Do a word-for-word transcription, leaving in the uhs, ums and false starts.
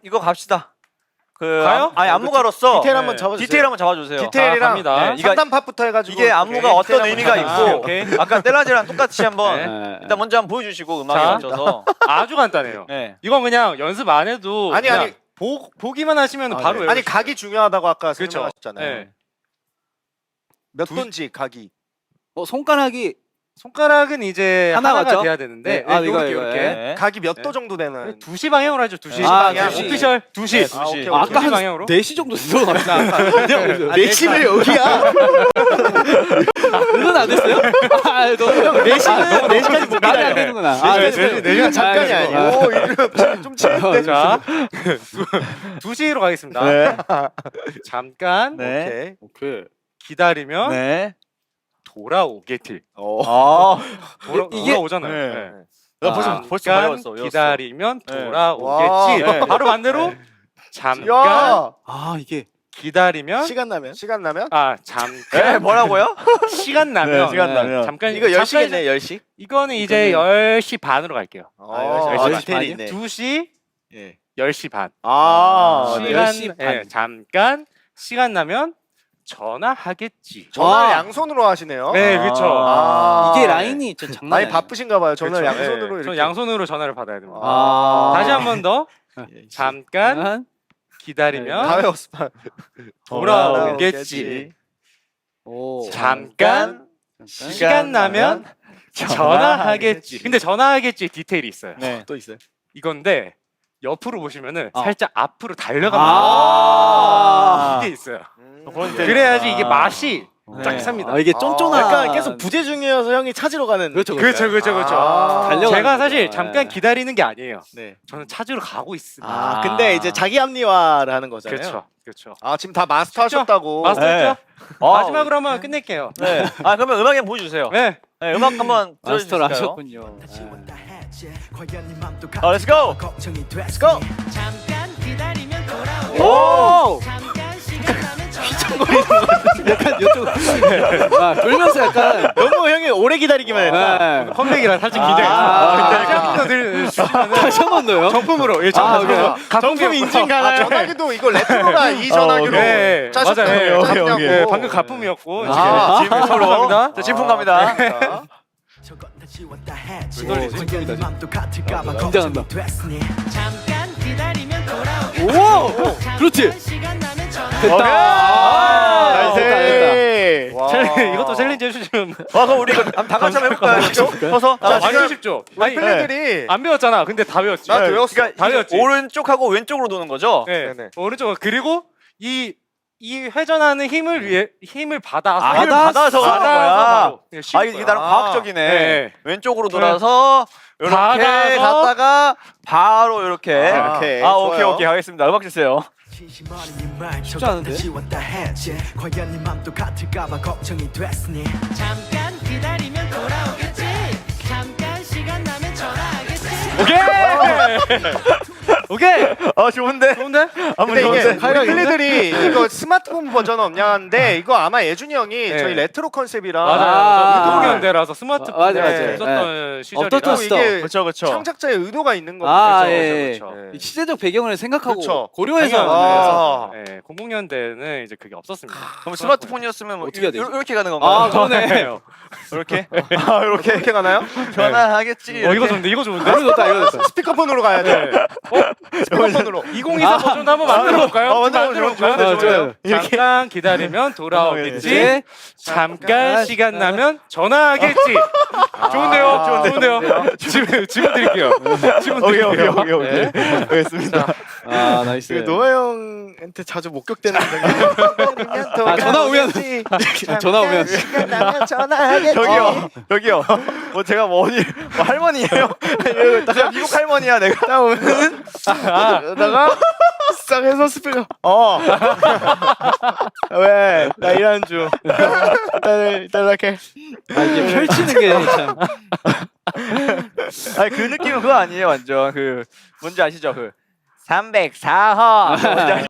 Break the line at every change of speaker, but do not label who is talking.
이거 갑시다. 그
가요?
아니 안무가로서
디테일 한번
네.
잡아주세요.
디테일 한번 잡아주세요.
디테일이랑
갑니다.
네, 이거-
상단팟부터 해가지고
이게 안무가
오케이.
어떤
디테일
의미가
한번
있고
잡아주세요.
오케이.
아까 떼라지랑 똑같이 한번
네.
일단 먼저 한번 보여주시고 음악에
자.
맞춰서
아주 간단해요.
네.
이건 그냥 연습 안 해도
아니,
그냥
아니.
보, 보기만 하시면
아,
바로
네.
외우실
아니 각이 중요하다고 아까
그쵸.
설명하셨잖아요.
네.
몇
두-
돈지 각이.
어 손가락이
손가락은 이제
하나
하나가
맞죠?
돼야 되는데
네. 아,
네,
이거,
요렇게
이거,
요렇게
네.
각이 몇
네.
도 정도 되는.
두 시 방향으로 하죠. 두 시.
아,
방향.
두 시.
오피셜 두 시.
네, 두 시.
아, 오케이,
아,
오케이.
아까 한
방향으로?
네 시 정도 들어갑니다.
아,
네 시면 여기야. 그건 안 됐어요? 아, 너
네 시는 네 시까지 못
말이 안
기다려.
되는구나.
아,
네,
네,
네,
네, 네 시간 잠깐이
아,
아니야.
아.
오, 이거 좀 치는데.
자, 두 시로 가겠습니다.
네.
잠깐
네.
오케이.
오케이.
기다리면
네.
돌아오겠지.
어.
아.
돌아,
이게-
돌아오잖아요.
네.
네.
나 벌써
아,
벌써
잠깐
배웠어. 외웠어.
기다리면
네.
돌아오겠지.
와. 네.
바로 반대로 잠깐
야.
아 이게
기다리면
시간 나면? 시간 나면?
아
네,
잠깐
뭐라고요?
시간 나면
네, 시간 나면.
잠깐
이거 열 시겠네,
잠깐-
열 시?
이거는 이제 열 시 반으로 갈게요.
어,
열 시
아, 디테일이
반이요?
있네.
두 시
예.
열 시 반.
아, 네.
시간
열 시 반.
예, 잠깐 시간 나면 전화하겠지.
전화를
와.
양손으로 하시네요.
네, 그렇죠.
아.
이게
네.
라인이 좀 장난
많이
아니에요.
바쁘신가 봐요. 저는
그렇죠.
양손으로
네,
이렇게.
전 양손으로 전화를 받아야 됩니다.
아.
다시 한 번 더 잠깐
한
기다리면
다 외웠어.
돌아오겠지.
오.
잠깐
잠깐.
시간 나면 전화하겠지. 근데 전화하겠지 디테일이 있어요.
네.
또 있어요.
이건데 옆으로 보시면은
어.
살짝 앞으로 달려갑니다.
아.
이게 있어요.
음.
그래야지 이게
아.
맛이
네.
쫙 삽니다.
아, 이게
아,
쫀쫀한.
약간 계속 부재 중이어서 형이 찾으러 가는.
그렇죠,
그렇죠, 그렇죠, 그렇죠.
아.
달려가는
제가
거죠.
사실
네.
잠깐 기다리는 게 아니에요.
네.
저는 찾으러 가고 있습니다.
아, 근데 이제 자기 합리화를 하는 거잖아요.
그렇죠, 그렇죠.
아, 지금 다 마스터하셨다고.
마스터했죠?
아,
마지막으로 한번 끝낼게요.
네. 아, 그러면 음악 한번 보여주세요.
네.
네, 음악 한번
마스터를
들어주실까요?
하셨군요.
어, let's go!
Let's go.
잠깐 기다리면 돌아오게.
오!
잠깐 시간 나면 전화.
약간 이쪽 아, 돌면서 약간
너무 형이 오래 기다리기만 했다.
네.
컴백이라 살짝
아,
긴장했어요.
아,
다시 한 번 더 주시면은
다시 한 번 더요.
정품으로 예,
아,
정품.
그래요?
정품 인증 가나요? 아, 전화기도 이거 레트로라 이 전화기로
네,
짜셨다고.
맞아요.
오케이, 오케이, 오케이.
네, 방금 가품이었고
아.
지금 진품으로 갑니다.
자, 진품 갑니다.
자,
왜 돌리지? 긴장한다.
잠깐 기다리면 돌아오게.
오! 그렇지.
잠깐 시간 나면 전화.
됐다. 아,
나이스.
됐다, 됐다.
와.
챌린- 이것도 챌린지 해주시면
와, 그럼 우리 이거 한번 다 같이 한번 해볼까요? 직접? 서서?
아,
자,
완전
지금
쉽죠?
우리
아니
플레이들이
안 배웠잖아. 근데 다 배웠지.
나도
네,
외웠어.
그러니까
다
이게
외웠지.
오른쪽하고 왼쪽으로 도는 거죠?
네.
네네.
오른쪽 그리고 이 이 회전하는 힘을 위해 힘을 받아서
아, 힘을 받아서 가는 거야.
바로. 네, 쉬울
아, 이게
거야.
나름
아.
과학적이네.
네.
왼쪽으로 돌아서 이렇게
받아서
갔다가 바로 이렇게.
아,
아,
오케이,
오케이,
좋아요.
오케이. 하겠습니다. 음악 주세요.
쉽지 않은데?
잠깐 기다리면 돌아오겠지. 잠깐 시간 나면 전화하겠지.
오케이. 오케이.
아, 좋은데?
좋은데?
한번
근데 이게
좋은데?
우리 플레이들이 이거 스마트폰 버전 없냐는데 이거 아마 예준이 형이
네.
저희 레트로 컨셉이라
아.
맞아요. 유동현대라서 스마트폰
맞아, 맞아.
없었던 시절이라.
없었던
또 이게
그렇죠, 그렇죠.
창작자의 의도가 있는 거죠.
아,
그렇죠,
예.
그렇죠, 그렇죠.
이 시대적 배경을 생각하고
그쵸.
고려해서
당연하죠.
아.
네, 공공 년대는 이제 그게 없었습니다.
그럼 스마트폰이었으면 뭐
어떻게 해야 되지?
요- 이렇게 가는 건가요?
아, 그러네.
이렇게? 아, 이렇게
이렇게 가나요?
전화하겠지.
어 이거
이렇게.
좋은데 이거 좋은데?
이거 좋다, 이거 좋다.
스피커폰으로 가야 돼. 스피커폰으로.
이천이십사 버전도 한번 만들어 볼까요?
어, 만들어 볼까요?
볼까요?
아, 좋아요.
잠깐 기다리면 돌아오겠지.
네.
잠깐 시간 나면 전화하겠지. 좋은데요?
아,
좋은데요? 지금 지금 드릴게요. 지금
오케이,
드릴게요.
오케이, 오케이, 오케이.
네.
알겠습니다.
아, 나이스.
그 노아 형한테 자주 목격되는
아, 전화 오면 전화 오면
전화하겠지.
저기요, 저기요. 뭐 제가 뭐 어디 뭐 할머니예요? 이러고 있다가 미국 할머니야 내가.
딱 오면은 그러다가 싹 해서 스피커. 어. 왜? 나 일하는 중. 일단 일단 이렇게.
아, 이게 펼치는 게 참.
아니 그 느낌은 그거 아니에요, 완전 그 뭔지 아시죠? 그 삼백사 호. 뭔지 아시죠?